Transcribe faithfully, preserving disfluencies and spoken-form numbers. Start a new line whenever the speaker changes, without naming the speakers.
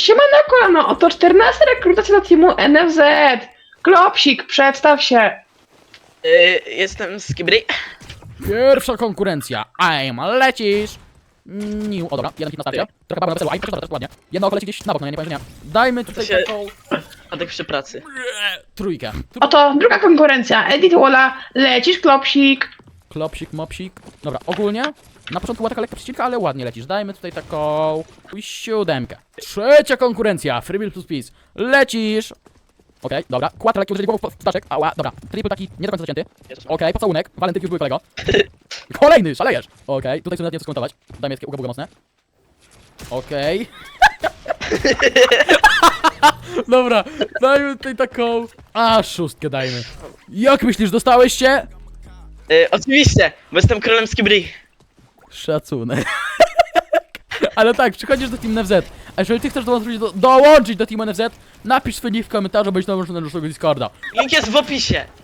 siemano kolano, oto czternasta rekrutacja do teamu N F Z. Klopsik, przedstaw się.
Yy, jestem z Kibry.
Pierwsza konkurencja. I'm lecisz. Niu. O dobra, jeden hit na starcie. Trochę babu na weselu, a i proszę bardzo, ładnie. Jedno oko leci gdzieś na bok, no ja nie powiem, że nie. Dajmy tutaj
się-
taką
Adek przy pracy.
trójkę. Tr
Oto druga konkurencja. Edit Walla, lecisz klopsik.
Klopsik, mopsik. Dobra, ogólnie na początku była taka lekka przecinka, ale ładnie lecisz. Dajmy tutaj taką siódemkę. Trzecia konkurencja. Freebill plus peace. Lecisz. Okej, dobra. Kład lekki uderzenie głową w ptaczek. Ała, dobra. Triple taki nie do końca zacięty. Okej, pocałunek. Walentyk już były kolego. Kolejny, szalejesz. Okej, tutaj chcę nawet nie skomentować. Dajmy takie uga buga mocne. Okej. Dobra, dajmy tutaj taką... A, szóstkę dajmy. Jak myślisz, dostałeś się?
Yy, oczywiście, bo jestem królem z Kibry.
Szacunek. Ale tak, przychodzisz do Team N F Z. A jeżeli ty chcesz dołączyć do, dołączyć do Team N F Z, napisz swój nick w komentarzu, będziesz dołączony do naszego Discorda.
Link jest w opisie.